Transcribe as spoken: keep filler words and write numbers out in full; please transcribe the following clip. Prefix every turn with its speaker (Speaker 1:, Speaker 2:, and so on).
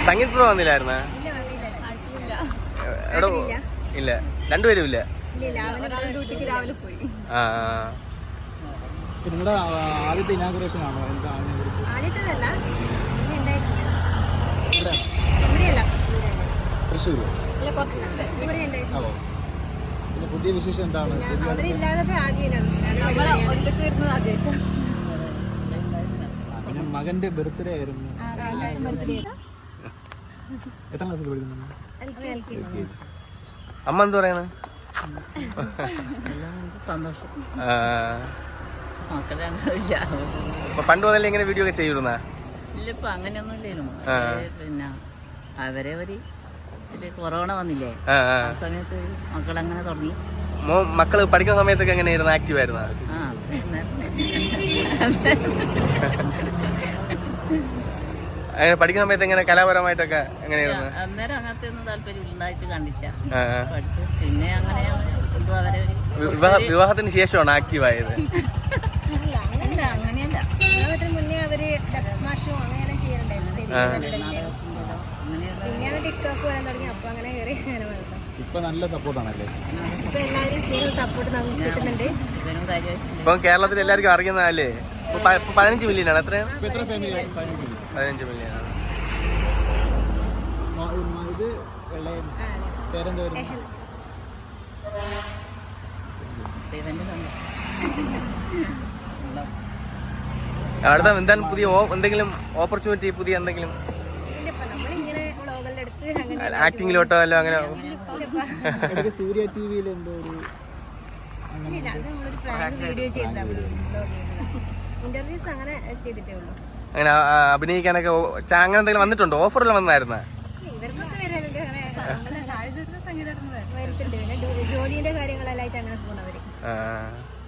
Speaker 1: സംഗീത pro വന്നില്ലായിരുന്ന? എടോ ഇല്ല, രണ്ടുപേരും ഇല്ല. ആ
Speaker 2: നിങ്ങളുടെ ആദ്യത്തെ ഇനാഗുറേഷൻ ആണോ? തൃശ്ശൂർ. പിന്നെ പുതിയ വിശേഷം എന്താണ്? പിന്നെ മകന്റെ ബർത്ത്ഡേ ആയിരുന്നു. എത്ര ക്ലാസ്സിൽ പഠിക്കുന്നു?
Speaker 1: അമ്മ എന്ത് പറയണ?
Speaker 3: സന്തോഷം.
Speaker 1: പണ്ട് മുതലേ ഇങ്ങനെ വീഡിയോ ഒക്കെ ചെയ്തിരുന്ന?
Speaker 3: ഇല്ല, ഇപ്പൊ അങ്ങനെയൊന്നും ഇല്ലേനു. പിന്നെ അവരെ ഒരു കൊറോണ വന്നില്ലേ, ആ സമയത്ത് മക്കളങ്ങനെ തുടങ്ങി.
Speaker 1: മക്കള് പഠിക്കുന്ന സമയത്തൊക്കെ എങ്ങനെയായിരുന്നു? ആക്റ്റീവ് ആയിരുന്ന? അങ്ങനെ പഠിക്കുന്ന സമയത്ത് എങ്ങനെ കലാപരമായിട്ടൊക്കെ എങ്ങനെയായിരുന്നു?
Speaker 3: അന്നേരം അങ്ങനത്തെ ഒന്നും താല്പര്യം ഉണ്ടായിട്ട് കണ്ടില്ല. പിന്നെ അങ്ങനെ അവരെ
Speaker 1: വിവാഹത്തിന് ശേഷമാണ് ആക്റ്റീവ് ആയത്?
Speaker 3: അങ്ങനെയല്ല,
Speaker 4: മുന്നേ അവര് സ്മാഷും അങ്ങനെ ചെയ്യാറുണ്ടായിരുന്നു. പിന്നെ ടിക്ടോക്ക് വരാൻ തുടങ്ങി. അപ്പൊ അങ്ങനെ കയറി അങ്ങനെ വളർന്നു.
Speaker 2: ഇപ്പൊ നല്ല സപ്പോർട്ടാണല്ലേ?
Speaker 4: ഇപ്പൊ എല്ലാവരും സ്നേഹം സപ്പോർട്ട് നമുക്ക് കിട്ടുന്നുണ്ട്.
Speaker 1: ഇപ്പം കേരളത്തിൽ എല്ലാവർക്കും അറിയുന്നതല്ലേ? പതിനഞ്ച് മില്യൺ ആണ്. എത്രയാണ്? പതിനഞ്ച് മില്യൺ ആണ്.
Speaker 2: ഇത് പേരെന്തായിരുന്നു?
Speaker 1: അടുത്ത എന്താണ് പുതിയ എന്തെങ്കിലും ഓപ്പർച്യൂണിറ്റി? പുതിയ എന്തെങ്കിലും ആക്ടിങ്ങിലോട്ടോ അല്ലോ? അങ്ങനെ
Speaker 2: സൂര്യ ടി വിയിൽ എന്തോ ഒരു
Speaker 4: ഇന്റർവ്യൂസ് അങ്ങനെ ചെയ്തിട്ടേ ഉള്ളൂ.
Speaker 1: അങ്ങനെ അഭിനയിക്കാനൊക്കെ അങ്ങനെ എന്തെങ്കിലും വന്നിട്ടുണ്ടോ? ഓഫറിൽ വന്നായിരുന്ന?
Speaker 4: ഇവർക്കൊക്കെ വരുന്നുണ്ട്. അങ്ങനെ വരുന്നുണ്ട്. പിന്നെ ജോലിന്റെ കാര്യങ്ങളെല്ലായിട്ട് അങ്ങനെ പോകുന്നവര്.